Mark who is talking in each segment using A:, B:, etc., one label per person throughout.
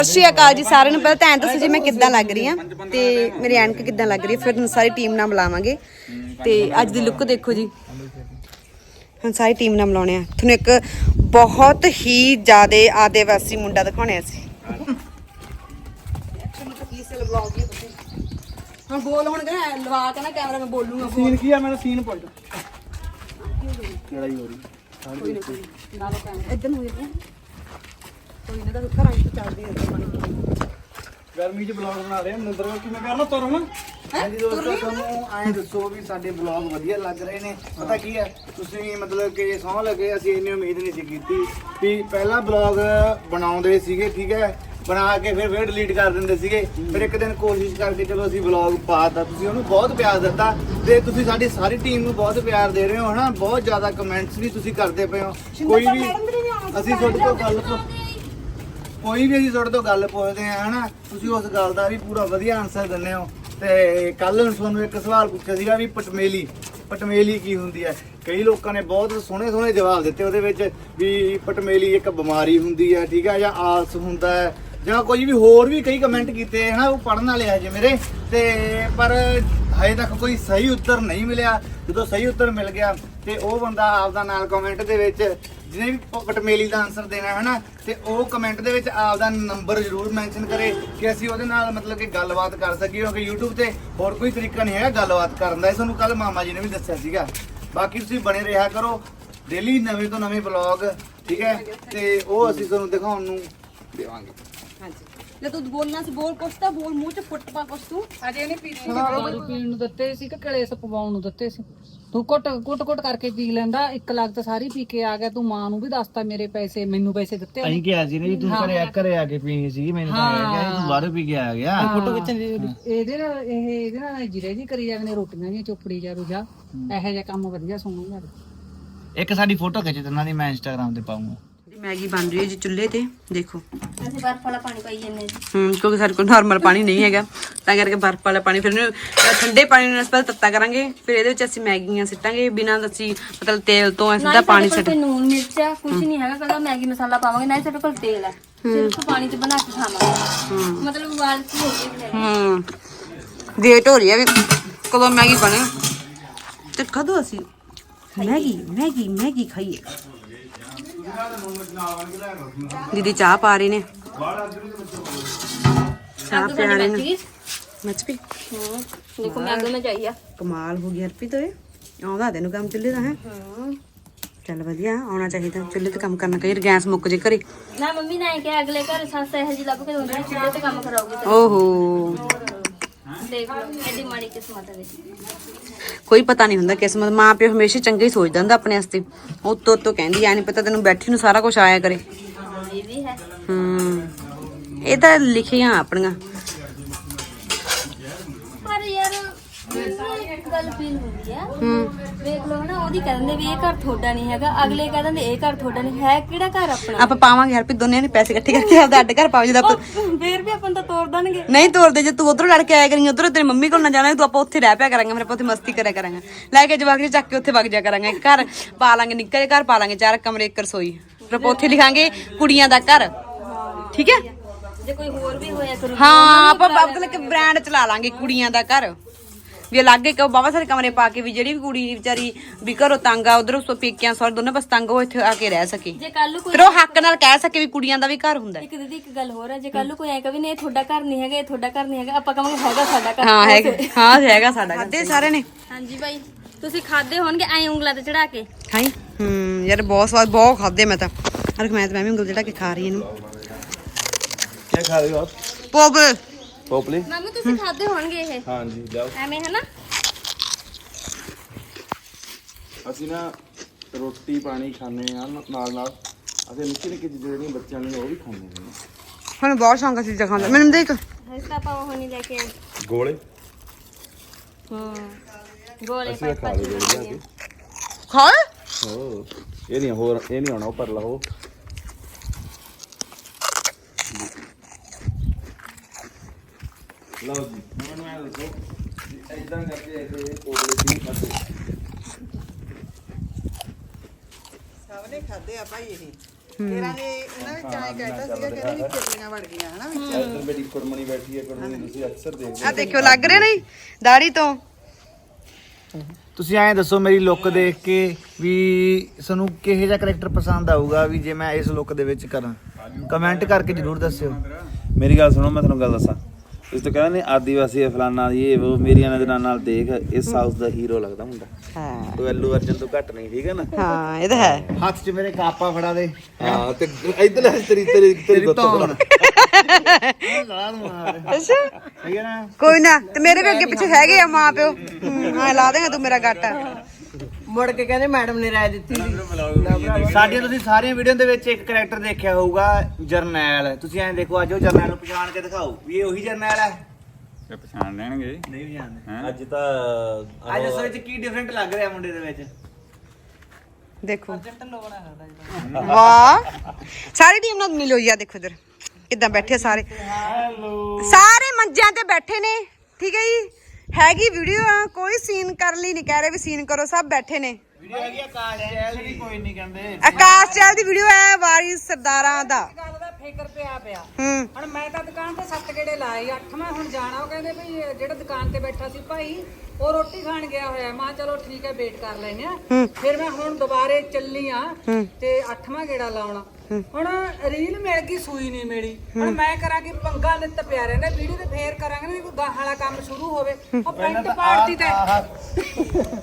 A: ਸਤਿ ਸ਼੍ਰੀ ਅਕਾਲ ਜੀ ਸਾਰਿਆਂ ਨੂੰ। ਪਹਿਲਾਂ ਤਾਂ ਐਂ ਦੱਸੋ ਜੀ ਮੈਂ ਕਿੱਦਾਂ ਲੱਗ ਰਹੀ ਹਾਂ ਤੇ ਮੇਰੀ ਐਨਕ ਕਿੱਦਾਂ ਲੱਗ ਰਹੀ ਹੈ, ਫਿਰ ਸਾਰੀ ਟੀਮ ਨਾਲ ਮਿਲਾਵਾਂਗੇ। ਤੇ ਅੱਜ ਦੀ ਲੁੱਕ ਦੇਖੋ ਜੀ, ਹੁਣ ਸਾਰੀ ਟੀਮ ਨਾਲ ਮਿਲਾਉਣੇ ਆ ਤੁਹਾਨੂੰ ਇੱਕ ਬਹੁਤ ਹੀ ਜ਼ਿਆਦਾ ਆਦਿਵਾਸੀ ਮੁੰਡਾ ਦਿਖਾਉਣੇ ਅਸੀਂ। ਹੁਣ ਬੋਲ, ਹੁਣ ਲਵਾ ਕੇ ਨਾ ਕੈਮਰਾ ਮੈਂ ਬੋਲੂਗਾ।
B: ਸੀਨ ਕੀ ਆ? ਮੈਨੂੰ ਸੀਨ ਪੁੱਛ। ਲੜਾਈ ਹੋ ਰਹੀ
A: ਕੋਈ ਨਾ ਕੋਈ ਨਾ ਲੋ ਕੈਮਰਾ ਇੱਧਰ ਨੂੰ ਹੋ ਜਾਂਦਾ ਕੋਈ ਨਾ, ਤਾਂ ਘਰਾਂ ਚ ਚੱਲਦੀ ਹੈ।
B: ਗਰਮੀ 'ਚ ਬਲੌਗ ਬਣਾ ਰਹੇ ਹਾਂ ਮੰਦਰ ਵਿੱਚ, ਕਿਵੇਂ ਕਰਨਾ ਤੁਰਨ? ਹਾਂਜੀ ਦੋਸਤੋ, ਤੁਹਾਨੂੰ ਐਂ ਦੱਸੋ ਵੀ ਸਾਡੇ ਬਲੌਗ ਵਧੀਆ ਲੱਗ ਰਹੇ ਨੇ? ਪਤਾ ਕੀ ਹੈ, ਤੁਸੀਂ ਮਤਲਬ ਕਿ ਸਹੁੰ ਲੱਗੇ, ਅਸੀਂ ਇੰਨੀ ਉਮੀਦ ਨਹੀਂ ਸੀ ਕੀਤੀ ਵੀ ਪਹਿਲਾਂ ਬਲੌਗ ਬਣਾਉਂਦੇ ਸੀਗੇ, ਠੀਕ ਹੈ, ਬਣਾ ਕੇ ਫਿਰ ਡਿਲੀਟ ਕਰ ਦਿੰਦੇ ਸੀਗੇ। ਫਿਰ ਇੱਕ ਦਿਨ ਕੋਸ਼ਿਸ਼ ਕਰਕੇ ਚਲੋ ਅਸੀਂ ਬਲੌਗ ਪਾਤਾ, ਤੁਸੀਂ ਉਹਨੂੰ ਬਹੁਤ ਪਿਆਰ ਦਿੱਤਾ ਤੇ ਤੁਸੀਂ ਸਾਡੀ ਸਾਰੀ ਟੀਮ ਨੂੰ ਬਹੁਤ ਪਿਆਰ ਦੇ ਰਹੇ ਹੋ ਹਨਾ। ਬਹੁਤ ਜ਼ਿਆਦਾ ਕਮੈਂਟਸ ਵੀ ਤੁਸੀਂ ਕਰਦੇ ਪਏ ਹੋ। ਕੋਈ ਵੀ ਅਸੀਂ ਤੁਹਾਡੇ ਤੋਂ ਗੱਲ ਪੁੱਛਦੇ ਆ ਹਨਾ, ਤੁਸੀਂ ਉਸ ਗੱਲ ਦਾ ਵੀ ਪੂਰਾ ਵਧੀਆ ਆਨਸਰ ਦਿੰਦੇ ਹੋ। ਤੇ ਕੱਲ ਤੁਹਾਨੂੰ ਇੱਕ ਸਵਾਲ ਪੁੱਛਿਆ ਸੀਗਾ ਵੀ ਪਟਮੇਲੀ ਕੀ ਹੁੰਦੀ ਹੈ। ਕਈ ਲੋਕਾਂ ਨੇ ਬਹੁਤ ਸੋਹਣੇ ਜਵਾਬ ਦਿੱਤੇ ਉਹਦੇ ਵਿੱਚ ਵੀ ਪਟਮੇਲੀ ਇੱਕ ਬਿਮਾਰੀ ਹੁੰਦੀ ਹੈ, ਠੀਕ ਹੈ, ਜਾਂ ਆਲਸ ਹੁੰਦਾ ਹੈ, ਜਾਂ ਕੋਈ ਵੀ ਹੋਰ ਵੀ ਕਈ ਕਮੈਂਟ ਕੀਤੇ ਹਨਾ, ਉਹ ਪੜ੍ਹਨ ਵਾਲੇ ਆ ਜੇ ਮੇਰੇ ਤੇ, ਪਰ ਹਜੇ ਤੱਕ ਕੋਈ ਸਹੀ ਉੱਤਰ ਨਹੀਂ ਮਿਲਿਆ। ਜਦੋਂ ਸਹੀ ਉੱਤਰ ਮਿਲ ਗਿਆ ਤੇ ਉਹ ਬੰਦਾ ਆਪਦਾ ਨਾਲ ਕਮੈਂਟ ਦੇ ਵਿੱਚ ਜਿਹਨੇ ਵੀ ਪਟਮੇਲੀ ਦਾ ਆਨਸਰ ਦੇਣਾ ਹੈ ਨਾ, ਤੇ ਉਹ ਕਮੈਂਟ ਦੇ ਵਿੱਚ ਆਪਦਾ ਨੰਬਰ ਜ਼ਰੂਰ ਮੈਂਸ਼ਨ ਕਰੇ ਕਿ ਅਸੀਂ ਉਹਦੇ ਨਾਲ ਮਤਲਬ ਕਿ ਗੱਲਬਾਤ ਕਰ ਸਕੀਏ, ਕਿਉਂਕਿ YouTube ਤੇ ਹੋਰ ਕੋਈ ਤਰੀਕਾ ਨਹੀਂ ਹੈਗਾ ਗੱਲਬਾਤ ਕਰਨ ਦਾ। ਇਹ ਤੁਹਾਨੂੰ ਕੱਲ ਮਾਮਾ ਜੀ ਨੇ ਵੀ ਦੱਸਿਆ ਸੀਗਾ। ਬਾਕੀ ਤੁਸੀਂ ਬਣੇ ਰਿਹਾ ਕਰੋ, ਡੇਲੀ ਨਵੇਂ ਤੋਂ ਨਵੇਂ ਵਲੌਗ, ਠੀਕ ਹੈ, ਤੇ ਉਹ ਅਸੀਂ ਤੁਹਾਨੂੰ ਦਿਖਾਉਣ ਨੂੰ ਦੇਵਾਂਗੇ।
A: ਹਾਂਜੀ, ਲੈ ਤੂੰ ਬੋਲਣਾ ਸੀ, ਬੋਲ ਕੁਛ ਤਾਂ ਬੋਲ, ਮੂੰਹ 'ਚ ਫੁੱਟ ਪਾ ਕੁਛ। ਤੂੰ ਅਜੇ ਨਹੀਂ ਪੀਣੀ?
C: ਦਾਰੂ ਪੀਣ ਨੂੰ ਦਿੱਤੇ ਸੀ ਕਿ ਕਲੇਸ਼ ਪਵਾਉਣ ਨੂੰ ਦਿੱਤੇ ਸੀ? ਤੂੰ ਕੁੱਟ ਕਰਕੇ ਪੀ ਲੈਂਦਾ, 1 ਲੱਖ ਤਾਂ ਸਾਰੀ ਪੀ ਕੇ ਆ ਗਿਆ। ਤੂੰ ਮਾਂ ਨੂੰ ਵੀ ਦੱਸਦਾ ਮੇਰੇ ਪੈਸੇ, ਮੈਨੂੰ ਪੈਸੇ ਦਿੱਤੇ
B: ਅਸੀਂ ਕਿਹਾ ਸੀ ਵੀ ਤੂੰ ਘਰੇ ਆ ਕੇ ਪੀਣੀ ਸੀ, ਮੈਨੂੰ ਤਾਂ ਆਇਆ ਗਿਆ ਤੂੰ ਬਾਹਰੋਂ ਪੀ ਕੇ ਆ ਗਿਆ। ਫੋਟੋ ਖਿੱਚਣ
C: ਇਹਦੇ ਨਾਲ ਜਿਰੇ ਜੀ ਕਰੀ ਜਾਂਦੇ ਨੇ, ਰੋਟੀਆਂ ਦੀਆਂ ਚੋਪੜੀ ਜਾ ਰੁਜਾ, ਇਹੋ ਜਿਹਾ ਕੰਮ ਵਧੀਆ ਸੋਹਣਾ।
B: ਇੱਕ ਸਾਡੀ ਫੋਟੋ ਖਿੱਚ ਦਿੰਦਾ ਦੀ, ਮੈਂ ਇੰਸਟਾਗ੍ਰਾਮ ਤੇ ਪਾਉਂਗਾ।
A: ਮੈਗੀ ਬਣ ਰਹੀ ਹੈ ਜੀ ਚੁੱਲ੍ਹੇ ਤੇ, ਦੇਖੋ।
D: ਅਸੀਂ ਬਰਫ ਵਾਲਾ ਪਾਣੀ ਪਾਈ ਜਾਂਦੇ ਜੀ।
A: ਕਿਉਂਕਿ ਸਾਡੇ ਕੋਲ ਨਾਰਮਲ ਪਾਣੀ ਨਹੀਂ ਹੈਗਾ, ਤਾਂ ਕਰਕੇ ਬਰਫ ਵਾਲਾ ਪਾਣੀ, ਫਿਰ ਇਹਨੂੰ ਠੰਡੇ ਪਾਣੀ ਨੂੰ ਅਸੀਂ ਤੱਤਾ ਕਰਾਂਗੇ, ਫਿਰ ਇਹਦੇ ਵਿੱਚ ਅਸੀਂ ਮੈਗੀਆਂ ਸਿੱਟਾਂਗੇ ਬਿਨਾਂ ਅਸੀਂ ਮਤਲਬ ਤੇਲ ਤੋਂ। ਸਿੱਧਾ ਪਾਣੀ ਸਿੱਟ,
D: ਨੂਨ ਮਿਰਚ ਆ ਕੁਝ ਨਹੀਂ ਹੈਗਾ, ਕੱਲਾ ਮੈਗੀ ਮਸਾਲਾ ਪਾਵਾਂਗੇ, ਨਾ ਸਾਡੇ ਕੋਲ ਤੇਲ ਹੈ, ਸਿਰਫ ਪਾਣੀ 'ਚ ਬਣਾ ਕੇ ਖਾਵਾਂਗੇ। ਮਤਲਬ ਉਬਾਲ ਕੇ ਹੋ ਗਈ।
A: ਵੇਟ ਹੋ ਰਹੀ ਹੈ ਵੀ ਕਦੋਂ ਮੈਗੀ ਬਣੇ ਤੇ ਕਦੋਂ ਅਸੀਂ ਮੈਗੀ ਖਾਈਏ। ਦੀਦੀ ਚਾਹ ਪਾ ਰਹੇ ਨੇ, ਚਾਹ ਪਿਆ ਰਹੇ ਨੇ। ਮੱਚ ਵੀ
D: ਦੇਖੋ ਮੈਗੀ ਮੈਂ ਚਾਹੀਏ।
A: ਕਮਾਲ ਹੋ ਗਈ ਹਰਪ੍ਰੀਤ, ਓਏ ਆਉਂਦਾ ਤੈਨੂੰ ਕੰਮ ਚੁੱਲ੍ਹੇ ਦਾ ਹੈ? ਚੱਲ ਵਧੀਆ, ਆਉਣਾ ਚਾਹੀਦਾ ਚੁੱਲ੍ਹੇ ਤੇ ਕੰਮ ਕਰਨਾ। ਕਈ ਵਾਰ ਗੈਸ ਮੁੱਕ ਜੇ ਘਰੇ
D: ਨਾ। ਮੰਮੀ ਨੇ ਕਿਹਾ ਅਗਲੇ ਘਰ ਸੱਸ ਇਹੋ ਜਿਹੀ ਲੱਭ ਕੇ ਦਿੰਦੇ ਨੇ, ਚੁੱਲ੍ਹੇ ਤੇ ਕੰਮ ਕਰਾਉਗੀ।
A: ਓਹੋ,
D: ਦੇਖ ਲਓ ਐਡੀ ਮਾੜੀ ਕਿਸਮਤ ਹੈ।
A: ਕੋਈ ਪਤਾ ਨਹੀਂ ਹੁੰਦਾ ਕਿਸਮਤ। ਮਾਂ ਪਿਓ ਹਮੇਸ਼ਾ ਚੰਗਾ ਹੀ ਸੋਚਦਾ ਹੁੰਦਾ ਆਪਣੇ ਵਾਸਤੇ। ਉੱਤੋਂ ਕਹਿੰਦੀ ਐ ਨਹੀਂ ਪਤਾ ਤੈਨੂੰ ਬੈਠੀ ਨੂੰ ਸਾਰਾ ਕੁਝ ਆਇਆ ਕਰੇ।
D: ਇਹ ਵੀ ਹੈ।
A: ਇਹ ਤਾਂ ਲਿਖੀਆਂ ਆਪਣੀਆਂ।
D: ਪਰ ਯਾਰ ਇੱਕ ਗੱਲ ਫੀਲ ਹੁੰਦੀ ਆ, ਵੇਖ ਲਓ ਨਾ, ਉਹਦੀ ਕਹਿ ਦਿੰਦੇ ਵੀ ਇਹ ਘਰ ਤੁਹਾਡਾ ਨਹੀਂ ਹੈਗਾ, ਅਗਲੇ ਕਹਿ ਦਿੰਦੇ ਇਹ ਘਰ ਤੁਹਾਡਾ ਨਹੀਂ ਹੈ। ਕਿਹੜਾ ਘਰ ਆਪਣਾ?
A: ਆਪਾਂ ਪਾਵਾਂਗੇ ਹਰਪ੍ਰੀਤ, ਦੋਨਿਆਂ ਨੇ ਪੈਸੇ ਇਕੱਠੇ ਕਰਕੇ ਆਪਦਾ ਅੱਡ ਘਰ ਪਾਓ। ਜਦੋਂ ਆਪਾਂ
D: ਫੇਰ ਵੀ ਆਪਾਂ ਨੂੰ ਤਾਂ ਤੋੜ ਦੇਣਗੇ।
A: ਨਹੀਂ ਤੋੜਦੇ, ਜੇ ਤੂੰ ਉਧਰੋਂ ਲੜ ਕੇ ਆਇਆ ਕਰੀਂ, ਉਧਰੋਂ ਤੇਰੀ ਮੰਮੀ ਕੋਲ ਨਾ ਜਾਣਾ, ਤੂੰ ਆਪਾਂ ਉੱਥੇ ਰਹਿ ਪਿਆ ਕਰਾਂਗੇ, ਫਿਰ ਆਪਾਂ ਉੱਥੇ ਮਸਤੀ ਕਰਿਆ ਕਰਾਂਗੇ, ਲੈ ਕੇ ਜਵਾਕ ਚੱਕ ਕੇ ਉੱਥੇ ਵਗ ਜਾ ਕਰਾਂਗੇ। ਘਰ ਪਾ ਲਾਂਗੇ, ਨਿੱਕਾ ਜਿਹਾ ਘਰ ਪਾ ਲਾਂਗੇ, 4 ਕਮਰੇ 1 ਰਸੋਈ, ਫਿਰ ਆਪਾਂ ਉੱਥੇ ਲਿਖਾਂਗੇ ਕੁੜੀਆਂ ਦਾ ਘਰ, ਠੀਕ ਹੈ।
D: ਜੇ ਕੋਈ ਹੋਰ ਵੀ ਹੋਇਆ ਕਰੂ,
A: ਹਾਂ, ਆਪਾਂ ਮਤਲਬ ਕਿ ਬ੍ਰਾਂਡ ਚਲਾ ਲਾਂਗੇ ਕੁੜੀਆਂ ਦਾ ਘਰ ਵੀ, ਅਲੱਗ ਇੱਕ ਬਾਬਾ ਸਾਰੇ ਕਮਰੇ ਪਾ ਕੇ ਵੀ ਜਿਹੜੀ ਵੀ ਕੁੜੀ ਵਿਚਾਰੀ ਵੀ ਘਰੋਂ ਤੰਗ ਆ, ਉਧਰੋਂ ਪੇਕਿਆਂ ਸੌਰ ਦੋਨੋਂ ਬਸ ਤੰਗ, ਉਹ ਇੱਥੇ ਆ ਕੇ ਰਹਿ ਸਕੇ।
D: ਜੇ ਕੱਲ ਨੂੰ ਕੋਈ,
A: ਫਿਰ ਉਹ ਹੱਕ ਨਾਲ ਕਹਿ ਸਕੇ ਵੀ ਕੁੜੀਆਂ ਦਾ ਵੀ ਘਰ ਹੁੰਦਾ।
D: ਇੱਕ ਦੀਦੀ ਇੱਕ ਗੱਲ ਹੋਰ ਹੈ, ਜੇ ਕੱਲ ਨੂੰ ਕੋਈ ਐ ਕਹੇ ਨਹੀਂ ਇਹ ਤੁਹਾਡਾ ਘਰ ਨਹੀਂ ਹੈਗਾ, ਇਹ ਤੁਹਾਡਾ ਘਰ ਨਹੀਂ ਹੈਗਾ, ਆਪਾਂ ਕਹਾਂਗੇ ਹੈਗਾ ਸਾਡਾ ਘਰ।
A: ਹਾਂ ਹੈਗਾ, ਹਾਂ ਹੈਗਾ ਸਾਡਾ। ਖਾਦੇ ਸਾਰੇ ਨੇ?
D: ਹਾਂਜੀ ਭਾਈ, ਤੁਸੀਂ ਖਾਦੇ ਹੋਣਗੇ ਐ ਉਂਗਲਾਂ ਤੇ ਚੜਾ ਕੇ।
A: ਖਾਈ ਯਾਰ ਬਹੁਤ ਸਵਾਦ, ਬਹੁਤ ਖਾਦੇ ਮੈਂ ਤਾਂ। ਮੈਂ ਵੀ ਉਂਗਲ ਜਿਹੜਾ ਕੇ ਖਾ ਰਹੀ ਇਹਨੂੰ।
B: ਕੀ ਖਾ ਰਹੇ ਹੋ ਆਪ? ਪੋਪਲੇ
D: ਮੰਮੀ ਤੁਸੀਂ ਖਾਦੇ ਹੋਣਗੇ ਇਹ?
B: ਹਾਂਜੀ ਲਿਆਓ।
D: ਐਵੇਂ ਹੈ ਨਾ।
E: ਅਸੀਂ ਨਾ ਰੋਟੀ ਪਾਣੀ ਖਾਂਦੇ ਆ ਨਾਲ ਅਸੀਂ ਨਿੱਕੀ ਚੀਜ਼ਾਂ ਜਿਹੜੀਆਂ ਬੱਚਿਆਂ ਨੂੰ ਉਹ ਵੀ ਖਾਂਦੇ ਨੇ।
A: ਹੁਣ ਬਹੁਤ ਸ਼ੌਂਕ ਚੀਜ਼ਾਂ ਖਾਂਦਾ। ਮੈਨੂੰ ਦੇਖ
D: ਹਸਤਾ ਪਾਉ ਹੋਣੀ ਲੈ ਕੇ ਆਏ।
E: ਗੋਲੇ
D: ਗੋਲੇ
E: ਅਸੀਂ ਖਾ ਲਏ ਜਾ ਕੇ।
A: ਖਾ
E: ਹੋ ਇਹ ਨਹੀਂ ਆਉਣਾ, ਉਹ ਪਰ ਲਓ। ਲਓ ਜੀ, ਮੈਨੂੰ ਐਂ ਦੱਸੋ ਇਦਾਂ ਕਰਕੇ ਇਹ ਕੋਲੇ ਦੀ ਖਾਦੇ
F: ਸਭ ਨੇ ਖਾਦੇ ਆ ਭਾਈ ਇਹ।
A: ਇਹਨਾਂ ਵਿੱਚ ਆਏ ਕਹਿਤਾ ਸੀਗਾ ਕਿ ਇਹਦੇ ਵਿੱਚ ਕਿਰਲੀਆਂ ਵੜ ਗਈਆਂ ਹਨਾ ਵਿੱਚ।
E: ਇੱਧਰ ਮੇਰੀ ਕੁੜਮਣੀ ਬੈਠੀ ਹੈ, ਕੁੜਮਣੀ ਤੁਸੀਂ ਅਕਸਰ ਦੇਖਦੇ
A: ਆ ਦੇਖਿਓ ਲੱਗ ਰਿਹਾ ਨਹੀਂ ਦਾੜੀ ਤੋਂ।
B: ਤੁਸੀਂ ਐਂ ਦੱਸੋ ਮੇਰੀ ਲੁੱਕ ਦੇਖ ਕੇ ਵੀ ਤੁਹਾਨੂੰ ਕਿਹੋ ਜਿਹਾ ਕਰੈਕਟਰ ਪਸੰਦ ਆਊਗਾ ਵੀ ਜੇ ਮੈਂ ਇਸ ਲੁੱਕ ਦੇ ਵਿੱਚ ਕਰਾਂ, ਕਮੈਂਟ ਕਰਕੇ ਜਰੂਰ ਦੱਸਿਓ।
E: ਮੇਰੀ ਗੱਲ ਸੁਣੋ, ਮੈਂ ਤੁਹਾਨੂੰ ਗੱਲ ਦੱਸਾਂ। ਇਸ ਤੋਂ ਕਹਿੰਦਾ ਨਹੀਂ ਆਦੀਵਾਸੀ ਫਲਾਨਾ ਇਹ ਉਹ ਮੇਰੀਆਂ ਨਜ਼ਰਾਂ ਨਾਲ ਦੇਖ, ਇਹ ਸਾਊਥ ਦਾ ਹੀਰੋ ਲੱਗਦਾ ਮੁੰਡਾ।
A: ਹਾਂ
E: ਤੂੰ ਅੱਲੂ ਅਰਜਨ ਤੋਂ ਘੱਟ ਨਹੀਂ, ਠੀਕ ਹੈ ਨਾ?
A: ਹਾਂ ਇਹ ਤਾਂ ਹੈ।
B: ਹੱਥ 'ਚ ਮੇਰੇ ਕਾਪਾ ਫੜਾ ਦੇ।
E: ਹਾਂ ਤੇ ਇੱਧਰ ਤੇਰੀ ਤੇਰੀ ਤੇਰੀ ਗੁੱਤ
B: ਧੌਣ।
A: ਅੱਛਾ
B: ਸਹੀ ਹੈ ਨਾ?
A: ਕੋਈ ਨਾ, ਤੇ ਮੇਰੇ ਵੀ ਅੱਗੇ ਪਿੱਛੇ ਹੈਗੇ ਆ ਮਾਂ ਪਿਓ। ਹਾਂ ਲਾ ਦੇਗਾ ਤੂੰ ਮੇਰਾ ਗੱਟ।
F: ਮੁੜ ਕੇ ਕਹਿੰਦੇ ਮੈਡਮ ਨੇ ਰਾਏ ਦਿੱਤੀ ਸੀ।
B: ਸਾਡੀਆਂ ਤੁਸੀਂ ਸਾਰੀਆਂ ਵੀਡੀਓ ਦੇ ਵਿੱਚ ਇੱਕ ਕਰੈਕਟਰ ਦੇਖਿਆ ਹੋਊਗਾ, ਜਰਨੈਲ। ਤੁਸੀਂ ਐਂ ਦੇਖੋ, ਅੱਜ ਉਹ ਜਰਨੈਲ ਨੂੰ ਪਛਾਣ ਕੇ ਦਿਖਾਓ ਵੀ ਇਹ ਉਹੀ ਜਰਨੈਲ ਹੈ।
G: ਤੇ ਪਛਾਣ ਲੈਣਗੇ।
B: ਨਹੀਂ ਪਛਾਣਦੇ।
E: ਅੱਜ ਤਾਂ
B: ਅੱਜ ਉਸ ਵਿੱਚ ਕੀ ਡਿਫਰੈਂਟ ਲੱਗ ਰਿਹਾ ਮੁੰਡੇ ਦੇ ਵਿੱਚ?
A: ਦੇਖੋ ਵਾਹ, ਸਾਰੀ ਟੀਮ ਨਾਲ ਮਿਲੋ ਜੀ। ਆ ਦੇਖੋ ਇਧਰ ਕਿੱਦਾਂ ਬੈਠੇ ਸਾਰੇ, ਸਾਰੇ ਮੰਜਿਆਂ ਤੇ ਬੈਠੇ ਨੇ, ਠੀਕ ਹੈ ਜੀ। ਹੈਗੀ ਵੀਡੀਓ ਆ, ਕੋਈ ਸੀਨ ਕਰ ਲਈ ਨਹੀਂ ਕਹਿ ਰਹੇ ਵੀ ਸੀਨ ਕਰੋ, ਸਭ ਬੈਠੇ ਨੇ।
B: ਵੀਡੀਓ ਹੈਗੀ ਆਕਾਸ਼ ਚੈਲ ਦੀ, ਕੋਈ ਨਹੀਂ ਕਹਿੰਦੇ।
A: ਆਕਾਸ਼ ਚਾਲ ਦੀ ਵੀਡੀਓ ਹੈ, ਵਾਰਿਸ ਸਰਦਾਰਾਂ ਦਾ।
C: ਗੱਲ ਦਾ ਫਿਕਰ ਪਿਆ
A: ਹੂੰ
C: ਹੁਣ ਮੈਂ ਤਾਂ ਦੁਕਾਨ ਤੇ 7 ਗੇੜੇ ਲਾਏ, 8ਵਾਂ ਹੁਣ ਜਾਣਾ। ਉਹ ਕਹਿੰਦੇ ਵੀ ਜਿਹੜਾ ਦੁਕਾਨ ਤੇ ਬੈਠਾ ਸੀ ਭਾਈ ਉਹ ਰੋਟੀ ਖਾਣ ਗਿਆ ਹੋਇਆ। ਮੈਂ ਕਿਹਾ ਚਲੋ ਠੀਕ ਹੈ ਵੇਟ ਕਰ ਲੈਨੇ ਆ। ਫਿਰ ਮੈਂ ਹੁਣ ਦੁਬਾਰੇ ਚੱਲੀ ਆ ਤੇ 8ਵਾਂ ਗੇੜਾ ਲਾਉਣਾ। ਹੁਣ ਰੀਲ ਮਿਲ ਗਈ, ਸੂਈ ਨਹੀਂ ਮਿਲੀ। ਹੁਣ ਮੈਂ ਕਰਾਂ ਕਿ ਪੰਗਾ ਨਿੱਤ ਪਿਆ ਰਹਿੰਦਾ ਵੀਡੀਓ ਤੇ, ਫੇਰ ਕਰਾਂਗੇ ਨਾ ਕੋਈ ਗਾਹਾਂ ਵਾਲਾ ਕੰਮ ਸ਼ੁਰੂ ਹੋਵੇ। ਉਹ ਪੈਂਟ ਪਾੜਤੀ ਤੇ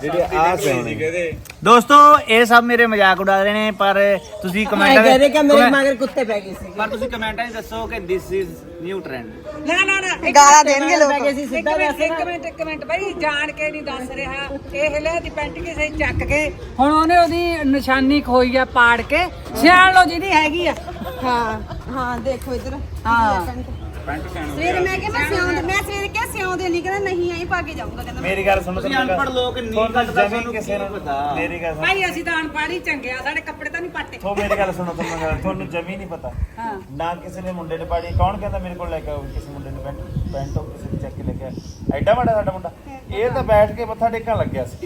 B: ਦੋਸਤੋ ਇਹ ਸਭ ਮੇਰੇ ਮਜ਼ਾਕ ਉਡਾ ਰਹੇ ਨੇ, ਪਰ ਤੁਸੀਂ ਕਮੈਂਟਾਂ
F: ਕਹਿੰਦੇ ਕਿ ਮੇਰੇ ਮਗਰ ਕੁੱਤੇ ਪੈ ਗਏ ਸੀ।
B: ਪਰ ਤੁਸੀਂ ਕਮੈਂਟਾਂ 'ਚ ਦੱਸੋ ਕਿ ਦਿਸ ਇਜ਼ ਨਿਊ ਟ੍ਰੈਂਡ।
C: ਨਾ
A: ਗਾਲਾਂ ਦੇਣਗੇ ਲੋਕ।
C: ਇੱਕ ਮਿੰਟ ਬਾਈ, ਜਾਣ ਕੇ ਨਹੀਂ ਦੱਸ ਰਿਹਾ। ਇਹ ਲੈ ਦੀ ਪੈਂਟ ਕਿਸੇ ਚੱਕ ਕੇ ਹੁਣ ਉਹਨੇ ਉਹਦੀ ਨਿਸ਼ਾਨੀ ਖੋਈ ਆ ਪਾੜ ਕੇ। ਸਿਆਣ ਲੋ ਜਿਹਦੀ ਹੈਗੀ ਆ।
A: ਹਾਂ ਹਾਂ ਦੇਖੋ ਇਧਰ।
C: ਹਾਂ
A: ਸਵੇਰੇ ਮੈਂ ਕਿਹਾ ਮੈਂ ਸਿਆਉਂਦੇ, ਮੈਂ ਸਵੇਰੇ ਕਿਹਾ ਸਿਆਉਂਦੇ ਨਹੀਂ, ਕਹਿੰਦਾ ਨਹੀਂ ਆਈ ਪਾ ਕੇ ਜਾਊਂਗਾ, ਕਹਿੰਦਾ
B: ਮੇਰੀ ਗੱਲ ਸੁਣੋ, ਤੁਸੀਂ ਅਨਪੜ੍ਹ ਲੋਕ ਨਹੀਂ ਕੱਟਦਾ, ਤੁਹਾਨੂੰ ਕਿਸੇ ਨੂੰ ਪਤਾ।
E: ਮੇਰੀ ਗੱਲ ਸੁਣੋ,
C: ਭਾਈ ਅਸੀਂ ਤਾਂ ਅਨਪੜ੍ਹ ਹੀ ਚੰਗੇ ਆ, ਸਾਡੇ ਕੱਪੜੇ ਤਾਂ ਨਹੀਂ ਪਾਟੇ।
E: ਮੇਰੀ ਗੱਲ ਸੁਣੋ, ਤੁਹਾਨੂੰ ਜਮੀ ਨਹੀਂ ਪਤਾ। ਨਾ ਕਿਸੇ ਨੇ ਮੁੰਡੇ ਨੇ ਪਾੜੀ। ਕੌਣ ਕਹਿੰਦਾ ਮੇਰੇ ਕੋਲ ਲੈ ਕੇ ਆਓ ਕਿਸੇ ਮੁੰਡੇ ਨੇ ਪੈਂਟ ਉਹ ਕਿਸੇ ਨੇ ਚੱਕ ਕੇ ਲੈ ਕੇ ਆਇਆ? ਐਡਾ ਵੱਡਾ ਸਾਡਾ ਮੁੰਡਾ, ਇਹ ਤਾਂ ਬੈਠ ਕੇ ਮੱਥਾ ਟੇਕਣ ਲੱਗਿਆ ਸੀ।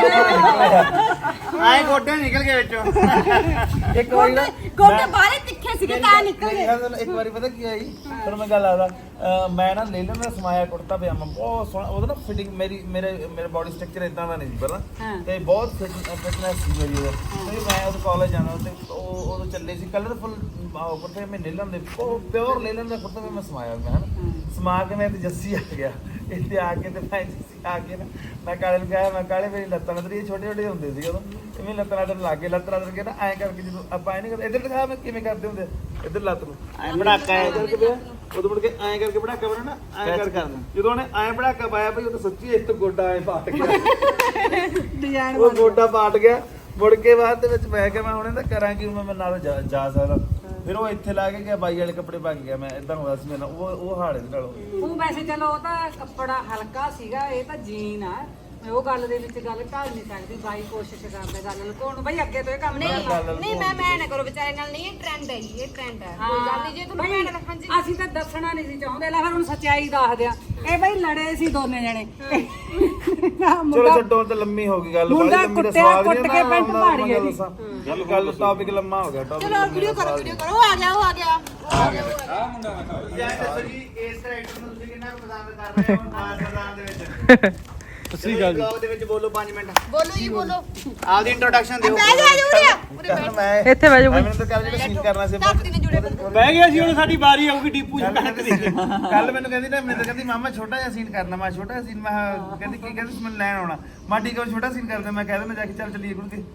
B: ਆਏ ਗੋਡੇ ਨਿਕਲ ਗਏ ਵਿੱਚੋਂ।
E: ਇੱਕ ਵਾਰੀ ਨਾ
A: ਗੋਡੇ ਬਾਹਲੇ ਤਿੱਖੇ ਸੀਗੇ ਤਾਂ ਨਿਕਲ ਗਏ।
E: ਇੱਕ ਵਾਰੀ ਪਤਾ ਕੀ ਆਈ ਤੁਹਾਨੂੰ ਮੈਂ ਗੱਲ ਆਦਾ, ਮੈਂ ਨਾ ਲੈ ਲੈਣਾ ਸਮਾਇਆ ਕੁੜਤਾ ਪਜਾਮਾ ਬਹੁਤ ਸੋਹਣਾ, ਉਹਦਾ ਨਾ ਫਿਟਿੰਗ ਮੇਰੇ ਬੋਡੀ ਸਟਰਕਚਰ ਇਦਾਂ ਦਾ ਨਹੀਂ ਸੀ ਪਹਿਲਾਂ, ਤੇ ਬਹੁਤ ਫਿਟਨੈਸ ਸੀ ਮੇਰੀ ਉਹਦਾ। ਤੇ ਮੈਂ ਉਹ ਕਾਲਜ ਜਾਣਾ ਤੇ ਉਹ ਉਦੋਂ ਚੱਲੇ ਸੀ ਕਲਰਫੁਲ ਕੁੜਤੇ, ਮੈਂ ਲੈ ਲੈਂਦੇ ਪਿਓਰ ਲੈ ਲੈਂਦਾ ਕੁੜਤਾ, ਮੈਂ ਸਮਾਇਆ ਮੈਂ ਹਨਾ ਸਮਾ ਕੇ ਮੈਂ ਤੇ ਜੱਸੀ ਆ ਗਿਆ ਇੱਥੇ ਆ ਕੇ। ਤੇ ਮੈਂ ਜੱਸੀ ਆ ਕੇ ਨਾ ਮੈਂ ਕਾਲੇ ਨੂੰ ਕਿਹਾ, ਮੈਂ ਕਾਲੇ ਮੇਰੀ ਲੱਤਾਂ ਲੱਤ ਰਹੀ, ਛੋਟੇ ਛੋਟੇ ਹੁੰਦੇ ਸੀ ਉਦੋਂ, ਇਵੇਂ ਲੱਤਾਂ ਲੱਤ ਲੱਗ ਗਏ। ਲੱਤ ਲੱਤ ਕੇ ਨਾ ਐਂ ਕਰਕੇ, ਜਦੋਂ ਆਪਾਂ ਐਂ ਨਹੀਂ ਕਰਦੇ, ਇੱਧਰ ਦਿਖਾ ਮੈਂ ਕਿਵੇਂ ਕਰਦੇ ਹੁੰਦੇ, ਇੱਧਰ ਲੱਤ ਨੂੰ ਐਂ ਬੜਾਕਾ ਐਂ ਕਰਕੇ ਪਿਆ, ਉਦੋਂ ਮੁੜ ਕੇ ਐਂ ਕਰਕੇ ਬੜਾਕਾ ਬਣਾਉਣਾ, ਐਂ ਕਰਕੇ ਜਦੋਂ ਉਹਨੇ ਐਂ ਬੜਾਕਾ ਪਾਇਆ ਭਾਈ, ਉਹ ਤਾਂ ਸੱਚੀ ਇੱਕ ਗੋਡਾ ਐਂ ਪਾਟ ਗਿਆ। ਉਹ ਗੋਡਾ ਪਾਟ ਗਿਆ। ਮੁੜ ਕੇ ਬਾਅਦ ਦੇ ਵਿੱਚ ਮੈਂ ਕਿਹਾ ਮੈਂ ਹੁਣ ਇਹਦਾ ਕਰਾਂ ਕਿ ਮੈਂ ਨਾਲ ਜਾ ਸਕਦਾ। ਫਿਰ ਉਹ ਇੱਥੇ ਲਾ ਕੇ ਗਿਆ, ਬਾਈ ਵਾਲੇ ਕੱਪੜੇ ਪਾ ਕੇ ਗਿਆ। ਮੈਂ ਇਦਾਂ ਹੋਇਆ ਸੀ ਮੇਰੇ ਨਾਲ, ਉਹ ਹਾਲ ਇਹਦੇ ਨਾਲ।
C: ਉਹ ਵੈਸੇ ਚਲੋ ਉਹ ਤਾਂ ਕੱਪੜਾ ਹਲਕਾ ਸੀਗਾ, ਇਹ ਤਾਂ ਜੀਨ ਆ। ਮੈਂ ਉਹ ਗੱਲ ਦੇ ਵਿੱਚ ਗੱਲ ਢਾਲ ਨਹੀਂ ਸਕਦੀ। ਬਾਈ ਕੋਸ਼ਿਸ਼ ਕਰਦਾ ਗੱਲ ਲੁਕਾਉਣ ਨੂੰ। ਬਾਈ ਅੱਗੇ ਤੋਂ ਇਹ ਕੰਮ ਨਹੀਂ
A: ਨਹੀਂ ਮੈਂ ਨਾ ਕਰੋ ਵਿਚਾਰੇ ਨਾਲ, ਨਹੀਂ ਇਹ ਟ੍ਰੈਂਡ ਹੈ ਜੀ, ਇਹ ਟ੍ਰੈਂਡ ਹੈ। ਕੋਈ ਗੱਲ ਨਹੀਂ, ਜੇ ਤੁਹਾਨੂੰ ਮੈਂ ਹਾਂਜੀ
C: ਅਸੀਂ ਤਾਂ ਦੱਸਣਾ ਨਹੀਂ ਸੀ ਚਾਹੁੰਦੇ। ਲੈ ਫਿਰ ਹੁਣ ਸੱਚਾਈ ਦੱਸ ਦਿਆਂ, ਇਹ ਬਾਈ ਲੜੇ ਸੀ ਦੋਨੇ ਜਣੇ।
E: ਚਲੋ ਛੱਡੋ, ਤਾਂ ਲੰਮੀ ਹੋ ਗਈ ਗੱਲ।
C: ਮੁੰਡਾ
E: ਲੰਮੀ ਦਾ
C: ਕੁੱਟਿਆ,
E: ਸਵਾਦ
C: ਕੁੱਟ
E: ਨਹੀਂ
C: ਕੇ
E: ਨਾ,
C: ਪੈਂਟ
E: ਮੈਂ
C: ਪਾੜੀ
E: ਗੱਲ ਦੱਸਾਂ। ਗੱਲ ਟੌਪਿਕ ਲੰਮਾ ਹੋ ਗਿਆ।
A: ਚਲੋ ਵੀਡੀਓ ਕਰੋ, ਵੀਡੀਓ ਕਰੋ। ਉਹ ਆ ਗਿਆ, ਉਹ ਆ ਗਿਆ, ਉਹ ਆ ਗਿਆ।
B: ਦੱਸੋ ਜੀ ਇਸ ਕਰੈਕਟਰ ਨੂੰ ਤੁਸੀਂ ਕਿੰਨਾ ਪਸੰਦ ਕਰ ਰਹੇ ਹੋ ਮਾਸਟਰਦਾਨ ਦੇ ਵਿੱਚ? ਤੁਸੀਂ ਗੱਲ ਦੇ ਵਿੱਚ ਬੋਲੋ 5 ਮਿੰਟ।
A: ਬੋਲੋ ਜੀ ਬੋਲੋ।
B: ਆਪਦੀ ਇੰਟਰੋਡਕਸ਼ਨ ਦਿਓ।
A: ਬਹਿ ਜਾ ਜੂੜਿਆ
E: ਮੈਂ
A: ਇੱਥੇ ਬਹਿ ਜਾ।
E: ਮੈਨੂੰ ਤਾਂ ਕੱਲ ਜਿਹੜਾ ਸੀਨ ਕਰਨਾ ਸੀ
A: ਧਰਤੀ ਨੇ ਜੁੜੇ
B: ਬਹਿ ਗਿਆ ਸੀ, ਹੁਣ ਸਾਡੀ ਵਾਰੀ ਆਊਗੀ ਡੀਪੂ ਜੀ ਕਣਕ ਦੀ।
E: ਕੱਲ ਮੈਨੂੰ ਕਹਿੰਦੀ ਨਾ, ਮੈਨੂੰ ਤਾਂ ਕਹਿੰਦੀ ਮਾਮਾ ਛੋਟਾ ਜਿਹਾ ਸੀਨ ਕਰਨਾ। ਮੈਂ ਛੋਟਾ ਜਿਹਾ ਸੀਨ, ਮੈਂ ਕਹਿੰਦੀ ਕੀ ਕਹਿੰਦੀ ਮੈਨੂੰ ਲੈਣ ਆਉਣਾ। ਮੈਂ ਠੀਕ ਹੈ ਛੋਟਾ ਸੀਨ ਕਰਦੇ। ਮੈਂ ਕਹਿ ਦਿੰਦਾ ਜਾ ਕੇ ਚੱਲ ਚੱਲੀਏ ਗੁਰੂ ਕੇ।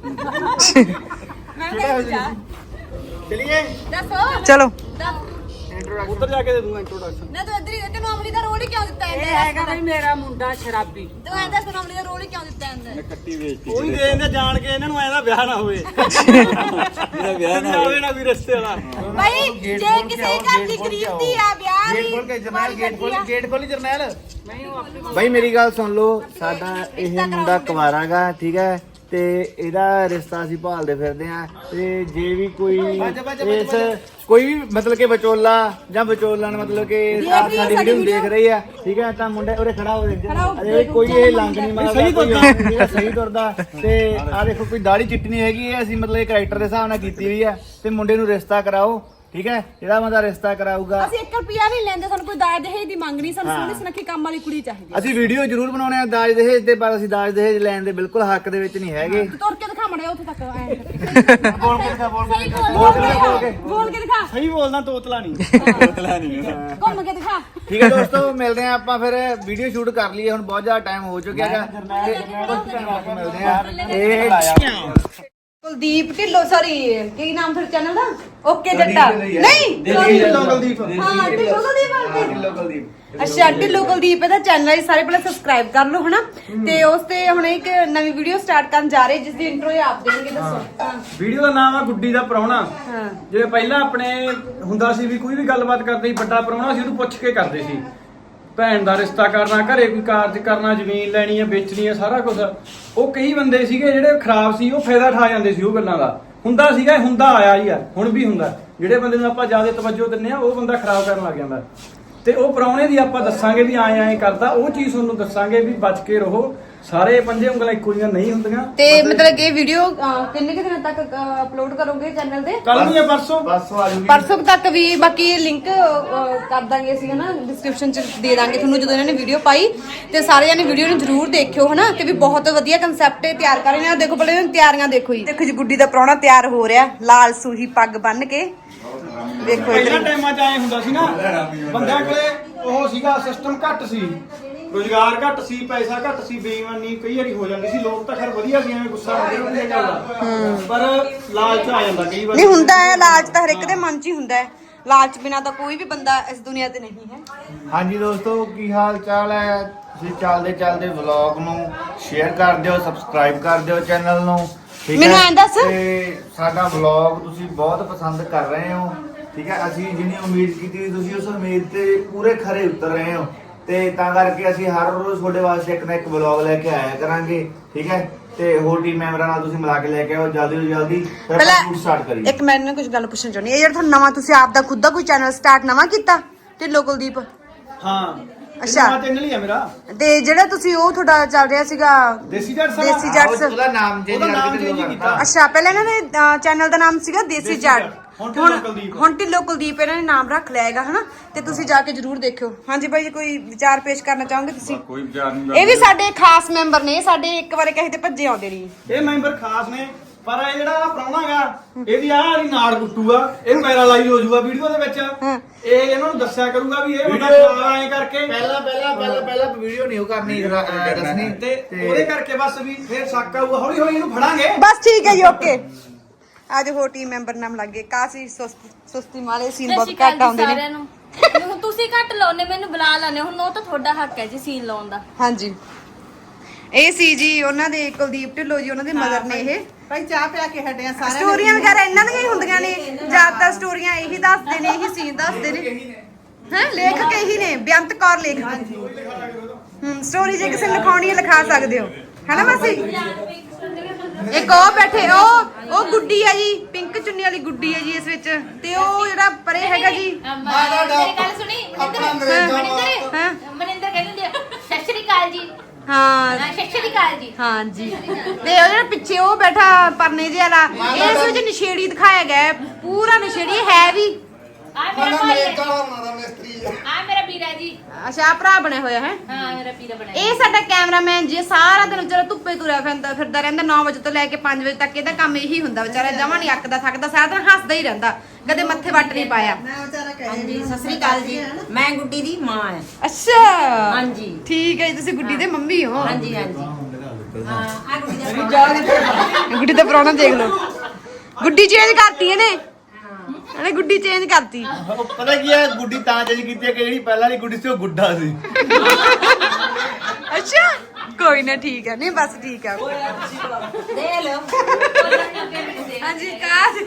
A: ਮੈਂ ਕਿਹਾ ਜਾ
B: ਚਲਿਏ
A: ਦੱਸੋ। ਚਲੋ
B: ਉੱਧਰ ਜਾ ਕੇ ਦੇ ਦੂੰਗਾ ਇੰਟਰੋਡਕਸ਼ਨ।
A: ਨਾ ਤੂੰ ਇੱਧਰ ਹੀ, ਤੈਨੂੰ ਅਮਲੀ ਦਾ ਰੋਲ ਹੀ ਕਿਉਂ ਦਿੱਤਾ
C: ਇਹ
A: ਇਹਨੇ?
C: ਹੈਗਾ ਬਈ ਮੇਰਾ ਮੁੰਡਾ ਸ਼ਰਾਬੀ।
A: ਤੂੰ ਐਂ ਦੱਸ, ਤੈਨੂੰ ਅਮਲੀ ਦਾ ਰੋਲ ਹੀ ਕਿਉਂ ਦਿੱਤਾ ਇਹਨੇ?
G: ਕੱਟੀ ਵੇਚਤੀ।
B: ਉਹੀ ਦੇ ਦਿੰਦੇ ਜਾਣ ਕੇ ਇਹਨਾਂ ਨੂੰ ਐਦਾ ਵਿਆਹ ਨਾ ਹੋਵੇ। ਮੇਰਾ ਵਿਆਹ ਨਾ ਹੋਵੇ ਨਾ ਵੀ ਰਿਸ਼ਤੇ ਵਾਲਾ।
A: ਭਾਈ ਜੇ ਕਿਸੇ ਘਰ ਦੀ ਗਰੀਬ ਦੀ ਆ ਵਿਆਹ
E: ਗੇਟ
A: ਦੀ
E: ਖੋਲ ਕੇ ਜਰਨੈਲ, ਗੇਟ ਖੋਲੀ ਜਰਨੈਲ।
B: ਬਾਈ ਮੇਰੀ ਗੱਲ ਸੁਣ ਲਓ, ਸਾਡਾ ਇਹ ਮੁੰਡਾ ਕੁਵਾਰਾਗਾ, ਠੀਕ ਹੈ, ਤੇ ਇਹਦਾ ਰਿਸ਼ਤਾ ਅਸੀਂ ਭਾਲਦੇ ਫਿਰਦੇ ਆ। ਤੇ ਜੇ ਵੀ ਕੋਈ ਇਸ ਕੋਈ ਵੀ ਮਤਲਬ ਕਿ ਵਿਚੋਲਾ ਜਾਂ ਵਿਚੋਲਣ ਮਤਲਬ ਕਿ ਸਾਡੀ ਵੀਡੀਓ ਨੂੰ ਦੇਖ ਰਹੀ ਆ, ਠੀਕ ਹੈ, ਤਾਂ ਮੁੰਡਾ ਉਰੇ ਖੜਾ ਹੋ ਅਰੇ ਕੋਈ ਇਹ ਲੰਗ ਨਹੀਂ ਮਾਰਦਾ, ਸਹੀ ਤੁਰਦਾ। ਤੇ ਆ ਦੇਖੋ ਕੋਈ ਦਾੜੀ ਚਿੱਟੀ ਨਹੀਂ ਹੈਗੀ, ਇਹ ਅਸੀਂ ਮਤਲਬ ਇਹ ਕੈਰੈਕਟਰ ਦੇ ਹਿਸਾਬ ਨਾਲ ਕੀਤੀ ਹੋਈ ਆ। ਤੇ ਮੁੰਡੇ ਨੂੰ ਰਿਸ਼ਤਾ ਕਰਾਓ, ਠੀਕ ਹੈ, ਜਿਹੜਾ ਬੰਦਾ ਰਿਸ਼ਤਾ ਕਰਾਊਗਾ।
A: ਅਸੀਂ 1 ਰੁਪਿਆ ਨਹੀਂ ਲੈਂਦੇ, ਸਾਨੂੰ ਕੋਈ ਦਾਜ ਦਹੇਜ ਦੀ ਮੰਗ ਨਹੀਂ, ਸਾਨੂੰ ਸੋਹਣੀ ਸੁਨੱਖੀ ਕੰਮ ਵਾਲੀ ਕੁੜੀ ਚਾਹੀਦੀ।
B: ਅਸੀਂ ਵੀਡੀਓ ਜ਼ਰੂਰ ਬਣਾਉਣੇ ਆ ਦਾਜ ਦਹੇਜ ਦੇ, ਪਰ ਅਸੀਂ ਦਾਜ ਦਹੇਜ ਲੈਣ ਦੇ ਬਿਲਕੁਲ ਹੱਕ ਦੇ ਵਿੱਚ ਨਹੀਂ ਹੈਗੇ।
A: ਤੁਰ ਕੇ ਦਿਖਾ ਮੜਿਆ ਉੱਥੇ ਤੱਕ
B: ਬੋਲ ਕੇ ਦਿਖਾ,
A: ਬੋਲ ਕੇ ਦਿਖਾ,
B: ਸਹੀ ਬੋਲਦਾ, ਤੋਤਲਾ ਨਹੀਂ।
A: ਘੁੰਮ ਕੇ ਦਿਖਾ।
B: ਠੀਕ ਹੈ ਦੋਸਤੋ, ਮਿਲਦੇ ਆ ਆਪਾਂ ਫਿਰ ਵੀਡੀਓ ਸ਼ੂਟ ਕਰ ਲਈਏ, ਹੁਣ ਬਹੁਤ ਜ਼ਿਆਦਾ ਟਾਈਮ ਹੋ ਚੁੱਕਿਆ ਹੈਗਾ। ਮਿਲਦੇ ਆ ਕੁਲਦੀਪ ਢਿੱਲੋਂ, ਸੌਰੀ ਕੀ ਨਾਮ ਤੁਹਾਡੇ ਚੈਨਲ ਦਾ? ਓਕੇ ਜੱਟਾ ਨਹੀਂ, ਢਿੱਲੋਂ ਕੁਲਦੀਪ। ਹਾਂ ਢਿੱਲੋਂ ਕੁਲਦੀਪ। ਅੱਛਾ ਢਿੱਲੋਂ ਕੁਲਦੀਪ ਇਹਦਾ ਚੈਨਲ ਹੈ, ਸਾਰੇ ਪਹਿਲਾਂ ਸਬਸਕ੍ਰਾਈਬ ਕਰ ਲਓ ਹਨਾ। ਤੇ ਉਸ ਤੇ ਹੁਣ ਇੱਕ ਨਵੀਂ ਵੀਡੀਓ ਸਟਾਰਟ ਕਰਨ ਜਾ ਰਹੇ, ਜਿਸ ਦੀ ਇੰਟਰੋ ਇਹ ਆਪ ਦੇਣਗੇ। ਦੱਸੋ।
H: ਵੀਡੀਓ ਦਾ ਨਾਮ ਆ ਗੁੱਡੀ ਦਾ ਪ੍ਰਾਹੁਣਾ।
A: ਹਾਂ
H: ਜਿਵੇਂ ਪਹਿਲਾਂ ਆਪਣੇ ਹੁੰਦਾ ਸੀ ਵੀ ਕੋਈ ਵੀ ਗੱਲਬਾਤ ਕਰਦੇ ਸੀ, ਵੱਡਾ ਪ੍ਰਾਹੁਣਾ ਸੀ, ਉਹਨੂੰ ਪੁੱਛ ਕੇ ਕਰਦੇ ਸੀ। ਭੈਣ ਦਾ ਰਿਸ਼ਤਾ ਕਰਨਾ, ਘਰੇ ਕੋਈ ਕਾਰਜ ਕਰਨਾ, ਜ਼ਮੀਨ ਲੈਣੀ ਹੈ, ਵੇਚਣੀ ਹੈ, ਸਾਰਾ ਕੁਝ। ਉਹ ਕਈ ਬੰਦੇ ਸੀਗੇ ਜਿਹੜੇ ਖਰਾਬ ਸੀ, ਉਹ ਫਾਇਦਾ ਠਾ ਜਾਂਦੇ ਸੀ ਉਹ ਗੱਲਾਂ ਦਾ। ਹੁੰਦਾ ਸੀਗਾ, ਹੁੰਦਾ ਆਇਆ ਹੀ ਆ, ਹੁਣ ਵੀ ਹੁੰਦਾ। ਜਿਹੜੇ ਬੰਦੇ ਨੂੰ ਆਪਾਂ ਜ਼ਿਆਦਾ ਤਵੱਜੋ ਦਿੰਨੇ ਆ, ਉਹ ਬੰਦਾ ਖਰਾਬ ਕਰਨ ਲੱਗ ਜਾਂਦਾ। ਤੇ ਉਹ ਪ੍ਰਾਹੁਣੇ ਦੀ ਆਪਾਂ ਦੱਸਾਂਗੇ ਵੀ ਐਂ ਕਰਦਾ, ਉਹ ਚੀਜ਼ ਤੁਹਾਨੂੰ ਦੱਸਾਂਗੇ ਵੀ ਬਚ ਕੇ ਰਹੋ। ਸਾਰੇ ਪੰਜੇ ਉਂਗਲਾਂ ਇੱਕੋ ਜਿਹੀਆਂ ਨਹੀਂ ਹੁੰਦੀਆਂ।
A: ਤੇ ਮਤਲਬ ਕਿ ਵੀਡੀਓ ਕਿੰਨੇ ਦਿਨਾਂ ਤੱਕ ਅਪਲੋਡ ਕਰੋਗੇ ਚੈਨਲ ਤੇ?
H: ਕੱਲ ਨੂੰ ਜਾਂ ਪਰਸੋਂ
B: ਆ ਜੂਗੀ।
A: ਪਰਸੋਂ ਤੱਕ ਵੀ। ਬਾਕੀ ਲਿੰਕ ਕਰ ਦਾਂਗੇ ਅਸੀਂ ਹਨਾ, ਡਿਸਕ੍ਰਿਪਸ਼ਨ ਚ ਦੇ ਦਾਂਗੇ ਤੁਹਾਨੂੰ ਜਦੋਂ ਇਹਨਾਂ ਨੇ ਵੀਡੀਓ ਪਾਈ। ਤੇ ਸਾਰੇ ਜਣੇ ਵੀਡੀਓ ਨੂੰ ਜ਼ਰੂਰ ਦੇਖਿਓ ਹਨਾ। ਤੇ ਵੀ ਬਹੁਤ ਵਧੀਆ ਕਨਸੈਪਟ ਤਿਆਰ ਕਰ ਰਹੇ ਨੇ। ਦੇਖੋ ਪਹਿਲੇ ਤਿਆਰੀਆਂ ਦੇਖੋ ਜੀ, ਦੇਖੋ ਜੀ ਗੁੱਡੀ ਦਾ ਪ੍ਰਾਹੁਣਾ ਤਿਆਰ ਹੋ ਰਿਹਾ, ਲਾਲ ਸੂਹੀ ਪੱਗ ਬੰਨ ਕੇ। ਦੇਖੋ
H: ਪਹਿਲਾਂ ਟਾਈਮਾਂ 'ਚ ਆਏ ਹੁੰਦਾ ਸੀ ਨਾ, ਬੰਦਿਆਂ ਕੋਲੇ ਉਹ ਸੀਗਾ, ਸਿਸਟਮ ਘੱਟ ਸੀ, ਰੋਜ਼ਗਾਰ ਘੱਟ ਸੀ, ਪੈਸਾ ਘੱਟ ਸੀ, ਬੇਈਮਾਨੀ ਕਈ ਵਾਰੀ ਹੋ ਜਾਂਦੀ ਸੀ। ਲੋਕ ਤਾਂ ਖੈਰ ਵਧੀਆ ਸੀ, ਐਵੇਂ ਗੁੱਸਾ ਨਹੀਂ ਹੁੰਦੀ ਇਹ ਗੱਲ ਦਾ, ਪਰ ਲਾਲਚ ਆ ਜਾਂਦਾ ਕਈ ਵਾਰ।
A: ਨਹੀਂ ਹੁੰਦਾ ਹੈ ਲਾਲਚ ਤਾਂ ਹਰ ਇੱਕ ਦੇ ਮਨ 'ਚ ਹੀ ਹੁੰਦਾ ਹੈ। ਲਾਲਚ ਬਿਨਾ ਤਾਂ ਕੋਈ ਵੀ ਬੰਦਾ ਇਸ ਦੁਨੀਆ ਤੇ ਨਹੀਂ ਹੈ।
B: ਹਾਂਜੀ ਦੋਸਤੋ, ਕੀ ਹਾਲ ਚਾਲ ਹੈ? ਤੁਸੀਂ ਚੱਲਦੇ ਵਲੌਗ ਨੂੰ ਸ਼ੇਅਰ ਕਰ ਦਿਓ, ਸਬਸਕ੍ਰਾਈਬ ਕਰ ਦਿਓ ਚੈਨਲ ਨੂੰ, ਠੀਕ ਹੈ?
A: ਮੈਨੂੰ ਐਂ ਦੱਸ।
B: ਤੇ ਸਾਡਾ ਵਲੌਗ ਤੁਸੀਂ ਬਹੁਤ ਪਸੰਦ ਕਰ ਰਹੇ ਹੋ, ਠੀਕ ਹੈ? ਅਸੀਂ ਜਿੰਨੀ ਉਮੀਦ ਕੀਤੀ ਸੀ, ਤੁਸੀਂ ਉਸ ਉਮੀਦ ਤੇ ਪੂਰੇ ਖਰੇ ਉਤਰ ਰਹੇ ਹੋ। ਤੇ ਤਾਂ ਕਰਕੇ ਅਸੀਂ ਹਰ ਰੋਜ਼ ਤੁਹਾਡੇ ਵਾਸਤੇ ਇੱਕ ਨਾ ਇੱਕ ਵਲੌਗ ਲੈ ਕੇ ਆਇਆ ਕਰਾਂਗੇ, ਠੀਕ ਹੈ? ਤੇ ਹੋਰ ਟੀਮ ਮੈਂਬਰਾਂ ਨਾਲ ਤੁਸੀਂ ਮਿਲਾ ਕੇ ਲੈ ਕੇ ਆਓ ਜਲਦੀ ਤੋਂ ਜਲਦੀ, ਫਿਰ ਆਪਾਂ ਸ਼ੂਟ ਸਟਾਰਟ ਕਰੀਏ।
A: ਇੱਕ ਮੈਂ ਕੁਝ ਗੱਲ ਪੁੱਛਣਾ ਚਾਹੁੰਦੀ ਹਾਂ। ਇਹ ਜਿਹੜਾ ਤੁਹਾਨੂੰ ਨਵਾਂ, ਤੁਸੀਂ ਆਪ ਦਾ ਖੁਦ ਦਾ ਕੋਈ ਚੈਨਲ ਸਟਾਰਟ ਨਵਾਂ ਕੀਤਾ ਢਿੱਲੋਂ ਕੁਲਦੀਪ?
H: ਹਾਂ
A: ਅੱਛਾ।
H: ਚੈਨਲ ਹੀ ਆ ਮੇਰਾ,
A: ਤੇ ਜਿਹੜਾ ਤੁਸੀਂ ਉਹ ਤੁਹਾਡਾ ਚੱਲ ਰਿਹਾ ਸੀਗਾ
H: ਦੇਸੀ ਜੱਟ
A: ਦੇਸੀ ਜੱਟਸ।
B: ਉਹਦਾ ਨਾਮ ਚੇਂਜ
H: ਕੀਤਾ।
A: ਅੱਛਾ ਪਹਿਲਾਂ ਇਹਨਾਂ ਨੇ ਚੈਨਲ ਦਾ ਨਾਮ ਸੀਗਾ ਦੇਸੀ ਜੱਟ,
H: ਹੁਣ ਢਿੱਲੋਂ ਕੁਲਦੀਪ।
A: ਹੁਣ ਢਿੱਲੋਂ ਕੁਲਦੀਪ ਇਹਨਾਂ ਨੇ ਨਾਮ ਰੱਖ ਲਿਆ ਹੈਗਾ ਹਨਾ। ਤੇ ਤੁਸੀਂ ਜਾ ਕੇ ਜਰੂਰ ਦੇਖਿਓ। ਹਾਂਜੀ ਭਾਈ ਜੀ, ਕੋਈ ਵਿਚਾਰ ਪੇਸ਼ ਕਰਨਾ ਚਾਹੋਗੇ ਤੁਸੀਂ?
G: ਕੋਈ ਵਿਚਾਰ ਨਹੀਂ।
A: ਇਹ ਵੀ ਸਾਡੇ ਖਾਸ ਮੈਂਬਰ ਨੇ, ਸਾਡੇ ਇੱਕ ਵਾਰੇ ਕਹੇ ਤੇ ਭੱਜੇ ਆਉਂਦੇ ਨਹੀਂ।
H: ਇਹ ਮੈਂਬਰ ਖਾਸ ਨੇ, ਪਰ ਇਹ ਜਿਹੜਾ ਪ੍ਰਾਹੁਣਾ ਗਾ, ਇਹਦੀ ਆਹ ਵਾਲੀ ਨਾੜ ਕੁੱਟੂਗਾ, ਇਹ ਪੈਰਾਲਾਈਜ਼ ਹੋ ਜਾਊਗਾ ਵੀਡੀਓ ਦੇ ਵਿੱਚ। ਇਹ ਇਹਨਾਂ ਨੂੰ ਦੱਸਿਆ ਕਰੂਗਾ ਵੀ ਇਹ ਬੰਦਾ ਖਰਾਬ ਐਂ ਕਰਕੇ।
B: ਪਹਿਲਾਂ ਵੀਡੀਓ ਨਹੀਂ ਉਹ ਕਰਨੀ ਦੱਸਣੀ,
H: ਤੇ ਉਹਦੇ ਕਰਕੇ ਬਸ ਵੀ ਫਿਰ ਸ਼ੱਕ ਆਊਗਾ, ਹੌਲੀ ਹੌਲੀ ਇਹਨੂੰ ਫੜਾਂਗੇ।
A: ਬਸ ਠੀਕ ਹੈ ਜੀ, ਓਕੇ। ਅੱਜ ਹੋਰ ਟੀਮ ਮੈਂਬਰ ਨਾਮ ਲੱਗੇ। ਕਾਸੀ ਸੁਸਤੀ ਮਾਲੇ ਸੀਨ ਬਹੁਤ ਘੱਟ ਆਉਂਦੇ ਨੇ।
D: ਹੁਣ ਤੁਸੀਂ ਘੱਟ ਲਾਉਨੇ, ਮੈਨੂੰ ਬੁਲਾ ਲਾਨੇ, ਹੁਣ ਉਹ ਤਾਂ ਤੁਹਾਡਾ ਹੱਕ ਹੈ ਜੀ ਸੀਨ ਲਾਉਣ ਦਾ।
A: ਹਾਂਜੀ ਇਹ ਸੀ ਜੀ ਉਹਨਾਂ ਦੇ ਕੁਲਦੀਪ ਢਿੱਲੋਂ ਜੀ, ਉਹਨਾਂ ਦੇ ਮਦਰ ਨੇ। ਇਹ
C: ਭਾਈ ਚਾਹ ਪਿਆ ਕੇ ਹਟਿਆ ਸਾਰੇ।
A: ਸਟੋਰੀਆਂ ਵਗੈਰਾ ਇਹਨਾਂ ਦੀਆਂ ਹੀ ਹੁੰਦੀਆਂ ਨੇ ਜ਼ਿਆਦਾਤਰ। ਸਟੋਰੀਆਂ ਇਹੀ ਦੱਸਦੇ ਨੇ, ਇਹੀ ਸੀਨ ਦੱਸਦੇ ਨੇ। ਹੈ ਲੇਖਕ ਇਹੀ ਨੇ, ਬੇਅੰਤ ਕੌਰ ਲੇਖਕ। ਸਟੋਰੀ ਜੇ ਕਿਸੇ ਨੂੰ ਲਿਖਾਉਣੀ ਹੈ ਲਿਖਾ ਸਕਦੇ ਹੋ, ਹੈ ਨਾ ਮਾਸੀ? ਇੱਕ ਉਹ ਬੈਠੇ, ਉਹ ਗੁੱਡੀ ਆ ਜੀ, ਪਿੰਕ ਚੁੰਨੀ ਵਾਲੀ ਗੁੱਡੀ ਹੈ ਜੀ ਇਸ ਵਿੱਚ। ਤੇ ਉਹ ਜਿਹੜਾ ਪਰੇ ਹੈਗਾ ਜੀ,
D: ਮੇਰੀ ਗੱਲ ਸੁਣੀ ਮਨਿੰਦਰ ਕਹਿੰਦੇ ਸਤਿ ਸ਼੍ਰੀ ਅਕਾਲ ਜੀ।
A: ਹਾਂ
D: ਸਤਿ ਸ਼੍ਰੀ ਅਕਾਲ ਜੀ।
A: ਹਾਂਜੀ। ਤੇ ਉਹ ਜਿਹੜਾ ਪਿੱਛੇ ਉਹ ਬੈਠਾ ਪਰਨੇ ਜਿਹੇ ਵਾਲਾ, ਇਸ ਵਿੱਚ ਨਸ਼ੇੜੀ ਦਿਖਾਇਆ ਗਿਆ ਹੈ, ਪੂਰਾ ਨਸ਼ੇੜੀ ਹੈ ਵੀ।
D: ਆ ਮੇਰਾ ਭਾਈ ਹੈ, ਆ ਮੇਰਾ ਵੀਰਾ ਜੀ।
A: ਅੱਛਾ ਭਰਾ ਬਣਿਆ ਹੋਇਆ ਹੈ।
D: ਹਾਂ ਮੇਰਾ ਵੀਰਾ ਬਣਿਆ।
A: ਇਹ ਸਾਡਾ ਕੈਮਰਾਮੈਨ ਜੀ, ਸਾਰਾ ਦਿਨ ਵਿਚਾਰਾ ਧੁੱਪੇ ਤੁਰਿਆ ਫਿਰਦਾ ਰਹਿੰਦਾ। 9 ਵਜੇ ਤੋਂ ਲੈ ਕੇ 5 ਵਜੇ ਤੱਕ ਇਹਦਾ ਕੰਮ ਇਹੀ ਹੁੰਦਾ। ਵਿਚਾਰਾ ਜਮਾਂ ਨਹੀਂ ਅੱਕਦਾ ਥੱਕਦਾ, ਸਾਰਾ ਦਿਨ ਹੱਸਦਾ ਹੀ ਰਹਿੰਦਾ, ਕਦੇ ਮੱਥੇ ਵੱਟ ਨਹੀਂ ਪਾਇਆ।
F: ਹਾਂਜੀ ਸਤਿ ਸ੍ਰੀ ਅਕਾਲ ਜੀ, ਮੈਂ ਗੁੱਡੀ ਦੀ ਮਾਂ ਹਾਂ।
A: ਅੱਛਾ
F: ਹਾਂਜੀ
A: ਠੀਕ ਹੈ ਜੀ, ਤੁਸੀਂ ਗੁੱਡੀ ਦੇ ਮੰਮੀ ਹੋ।
F: ਹਾਂਜੀ ਹਾਂਜੀ ਹਾਂ ਆ ਗੁੱਡੀ ਦਾ
A: ਗੁੱਡੀ ਦਾ ਪ੍ਰਾਹੁਣਾ ਦੇਖ ਲਓ, ਗੁੱਡੀ ਚੇਂਜ ਕਰਤੀ ਇਹਨੇ। ਇਹਨੇ ਗੁੱਡੀ ਚੇਂਜ ਕਰਤੀ।
B: ਪਤਾ ਕੀ ਹੈ, ਗੁੱਡੀ ਤਾਂ ਚੇਂਜ ਕੀਤੀ ਹੈ ਕਿ ਜਿਹੜੀ ਪਹਿਲਾਂ ਵਾਲੀ ਗੁੱਡੀ ਸੀ ਉਹ ਗੁੱਡਾ ਸੀ।
A: ਅੱਛਾ ਕੋਈ ਨਾ, ਠੀਕ ਹੈ। ਨਹੀਂ ਬਸ ਠੀਕ ਹੈ।
F: ਦੇ ਲਓ।
A: ਹਾਂਜੀ ਕਾਸ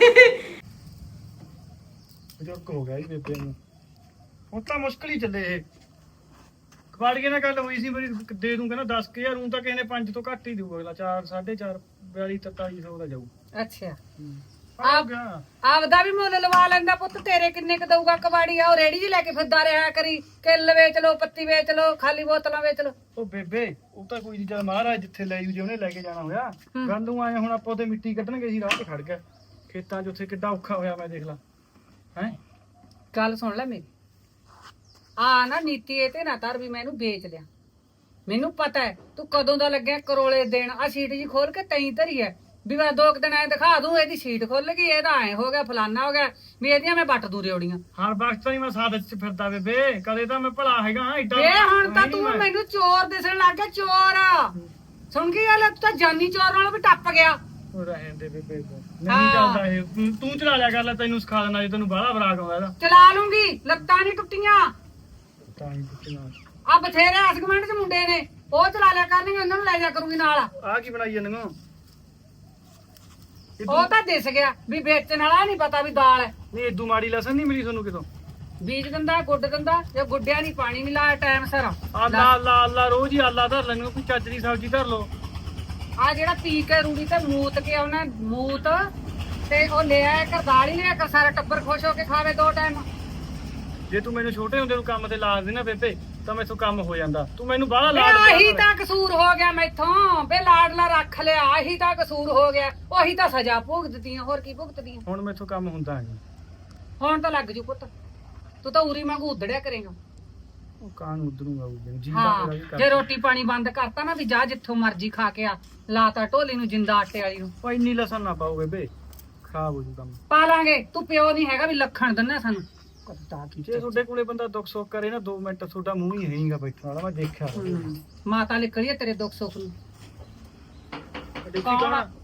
H: ਬਜ਼ੁਰਗ ਹੋ ਗਿਆ ਜੀ ਬੇਬੇ ਨੂੰ, ਹੁਣ ਤਾਂ ਮੁਸ਼ਕਲ ਹੀ ਚੱਲੇ ਇਹ। ਕਬਾੜੀਏ ਨਾਲ ਗੱਲ ਹੋਈ ਸੀ ਮੇਰੀ, ਦੇ ਦੂੰ ਕਹਿੰਦਾ 10,000 ਨੂੰ, ਤਾਂ ਕਿਸੇ ਨੇ 5 ਤੋਂ ਘੱਟ ਹੀ ਦਊਗਾ ਅਗਲਾ। 4 4.5 42 4300 ਦਾ ਜਾਊ।
C: ਅੱਛਾ ਆਪਦਾ ਵੀ ਮੁੱਲ ਲਵਾ ਲੈਂਦਾ ਪੁੱਤ, ਤੇਰੇ ਕਿੰਨੇ ਕ ਦਊਗਾ ਕਬਾੜੀ ਆ? ਉਹ ਰੇੜੀ ਜੀ ਲੈ ਕੇ ਫਿਰਦਾ ਰਿਹਾ ਕਰੀ, ਕਿੱਲ ਵੇਚ ਲੋ, ਪੱਤੀ ਵੇਚ ਲੋ, ਖਾਲੀ ਬੋਤਲਾਂ ਵੇਚ ਲੋ।
H: ਉਹ ਬੇਬੇ ਉਹ ਤਾਂ ਕੋਈ ਨਹੀਂ, ਚੱਲ ਮਹਾਰਾਜ ਜਿੱਥੇ ਲੈ ਜੂ, ਜੇ ਉਹਨੇ ਲੈ ਕੇ ਜਾਣਾ ਹੋਇਆ। ਗੱਲ ਨੂੰ ਆਏ ਹੁਣ ਆਪਾਂ ਉਹਦੇ ਮਿੱਟੀ ਕੱਢਣਗੇ ਸੀ, ਰਾਹ ਤੇ ਖੜ ਗਿਆ ਖੇਤਾਂ 'ਚ, ਉੱਥੇ ਕਿੱਡਾ ਔਖਾ ਹੋਇਆ ਮੈਂ ਦੇਖ ਲਾ ਹੈ।
C: ਗੱਲ ਸੁਣ ਲੈ ਮੇਰੀ, ਆ ਨਾ ਨੀਤੀ ਇਹ ਤੇ ਨਾ ਧਰ ਵੀ ਮੈਂ ਇਹਨੂੰ ਵੇਚ ਲਿਆ। ਮੈਨੂੰ ਪਤਾ ਹੈ ਤੂੰ ਕਦੋਂ ਦਾ ਲੱਗਿਆ ਕਰੋਲੇ ਦੇਣ। ਆ ਸੀਟ ਜੀ ਖੋਲ ਕੇ ਤੈਂ ਧਰੀ ਹੈ ਵੀ ਮੈਂ 2 ਦਿਨ ਐ ਦਿਖਾ ਦੂੰ ਇਹਦੀ ਸੀਟ ਖੁੱਲ ਗਈ, ਇਹਦਾ ਐ ਹੋ ਗਿਆ, ਫਲਾਨਾ ਹੋ ਗਿਆ, ਵੀ ਇਹਦੀਆਂ ਮੈਂ ਵੱਟ ਦੂ ਰਿਓੜੀਆਂ।
H: ਹਰ ਵਕਤ ਤਾਂ ਨਹੀਂ ਮੈਂ ਸਾਦਤ 'ਚ ਫਿਰਦਾ ਬੇਬੇ, ਕਦੇ ਤਾਂ ਮੈਂ ਭਲਾ ਹੈਗਾ ਏਡਾ।
C: ਵੇ ਹੁਣ ਤਾਂ ਤੂੰ ਮੈਨੂੰ ਚੋਰ ਦਿਸਣ ਲੱਗ ਗਿਆ, ਚੋਰ। ਸੁਣ ਕੀ ਗੱਲ, ਤੂੰ ਤਾਂ ਜਾਨੀ ਚੋਰ ਨਾਲੋਂ ਵੀ ਟੱਪ ਗਿਆ।
H: ਉਹ ਰਹਿਣ ਦੇ ਬੇਬੇ, ਨਹੀਂ ਚੱਲਦਾ ਇਹ, ਤੂੰ ਚਲਾ ਲਿਆ ਕਰ ਲੈ, ਤੈਨੂੰ ਸਿਖਾ ਦੇਣਾ ਜੇ ਤੈਨੂੰ ਬਾਹਲਾ ਬਰਾਕ ਆਉਂਦਾ ਇਹਦਾ।
C: ਚਲਾ ਲੂੰਗੀ, ਲੱਤਾਂ ਨਹੀਂ ਟੁੱਟੀਆਂ।
H: ਤਾਂ ਹੀ ਪੁੱਛਣਾ
C: ਆ ਬਥੇਰੇ ਅਸਗਮੈਂਟ ਚ ਮੁੰਡੇ ਨੇ, ਉਹ ਚਲਾ ਲਿਆ ਕਰਨਗੇ, ਉਹਨਾਂ ਨੂੰ ਲੈ ਜਾ ਕਰੂੰਗੀ ਨਾਲ।
H: ਆਹ ਕੀ ਬਣਾਈ ਜਾਂਦੇ ਹੋ?
C: ਉਹ ਤਾਂ ਦਿਸ ਗਿਆ ਵੀ ਵੇਚਣ ਵਾਲਾ ਨਹੀਂ ਪਤਾ ਵੀ ਦਾਲ ਹੈ।
H: ਨਹੀਂ ਏਦੂ ਮਾੜੀ ਲਸਣ ਨਹੀਂ ਮਿਲੀ ਤੁਹਾਨੂੰ ਕਿਤੋਂ?
C: ਬੀਜ ਦਿੰਦਾ, ਗੁੱਡ ਦਿੰਦਾ, ਜੇ ਗੁੱਡਿਆ ਨਹੀਂ ਪਾਣੀ ਨਹੀਂ ਲਾਇਆ ਟਾਈਮ ਸਿਰ।
H: ਆਲਾ ਆਲਾ ਆਲਾ ਰੋਜ਼ ਹੀ ਆਲਾ ਧਰ ਲੈਣੀ, ਕੋਈ ਚੱਜ ਦੀ ਸਬਜ਼ੀ ਧਰ ਲਓ।
C: ਆ ਜਿਹੜਾ ਪੀ ਕੇ ਰੂੜੀ ਤੇ ਮੂਤ ਕੇ ਉਹਨੇ ਮੂਤ ਤੇ ਉਹ ਲੈ ਆਇਆ ਕਰ, ਦਾਲ ਹੀ ਲਿਆ ਕਰ, ਸਾਰਾ ਟੱਬਰ ਖੁਸ਼ ਹੋ ਕੇ ਖਾਵੇ 2 ਟਾਈਮ।
H: ਜੇ ਤੂੰ ਮੈਨੂੰ ਛੋਟੇ ਹੁੰਦੇ ਨੂੰ ਕੰਮ ਤੇ ਲਾ ਦੇ ਨਾ ਬੇਬੇ, ਤਾਂ ਮੈਥੋਂ ਕੰਮ ਹੋ ਜਾਂਦਾ। ਤੂੰ ਮੈਨੂੰ ਬਾਹਲਾ
C: ਵੇ
H: ਲਾਡ
C: ਆਹੀ ਤਾਂ ਕਸੂਰ ਹੋ ਗਿਆ ਮੈਥੋਂ, ਵੇ ਲਾਡਲਾ ਰੱਖ ਲਿਆ, ਆਹੀ ਤਾਂ ਕਸੂਰ ਹੋ ਗਿਆ। ਉਹੀ ਤਾਂ ਸਜ਼ਾ ਭੁਗਤਦੀਆਂ, ਹੋਰ ਕੀ ਭੁਗਤਦੀਆਂ।
H: ਹੁਣ ਮੈਥੋਂ ਕੰਮ ਹੁੰਦਾ ਨਹੀਂ।
C: ਹੁਣ ਤਾਂ ਲੱਗ ਜੂ ਪੁੱਤ, ਤੂੰ ਤਾਂ ਉਰੀ ਵਾਂਗੂ ਉਧੜਿਆ ਕਰੇਗਾ।
H: ਉਹ ਕਾਨ ਉਧਰੂਗਾ ਉਹ ਜੀ
C: ਹਾਂ,
H: ਦਾ ਵੀ ਕਰ।
C: ਜੇ ਰੋਟੀ ਪਾਣੀ ਬੰਦ ਕਰਤਾ ਨਾ ਵੀ ਜਾ ਜਿੱਥੋਂ ਮਰਜ਼ੀ ਖਾ ਕੇ ਆ, ਲਾਤਾ ਢੋਲੀ ਨੂੰ ਜਿੰਦਾ ਆਟੇ ਵਾਲੀ ਨੂੰ।
H: ਉਹ ਇੰਨੀ ਲਸਣ ਨਾ ਪਾਓ ਬੇਬੇ, ਖਰਾਬ ਹੋ ਜੂ ਕੰਮ।
C: ਪਾ ਲਾਂਗੇ, ਤੂੰ ਪਿਓ ਨਹੀਂ ਹੈਗਾ ਵੀ ਲੱਖਣ ਦਿੰਨਾ ਸਾਨੂੰ। ਕੱਦਾ ਕੀ
H: ਜੇ ਤੁਹਾਡੇ ਕੋਲੇ ਬੰਦਾ ਦੁੱਖ ਸੁੱਖ ਕਰੇ ਨਾ 2 ਮਿੰਟ, ਤੁਹਾਡਾ ਮੂੰਹ ਹੀ ਹੈਗਾ ਬੈਠਣ ਵਾਲਾ, ਮੈਂ ਦੇਖਿਆ।
C: ਮਾਤਾ ਲਿਖੜੀ ਤੇਰੇ ਦੁੱਖ ਸੁੱਖ ਨੂੰ।
H: ਦੇਖੀ
C: ਕੌਣ
H: ਕੌਣ
C: ਆ?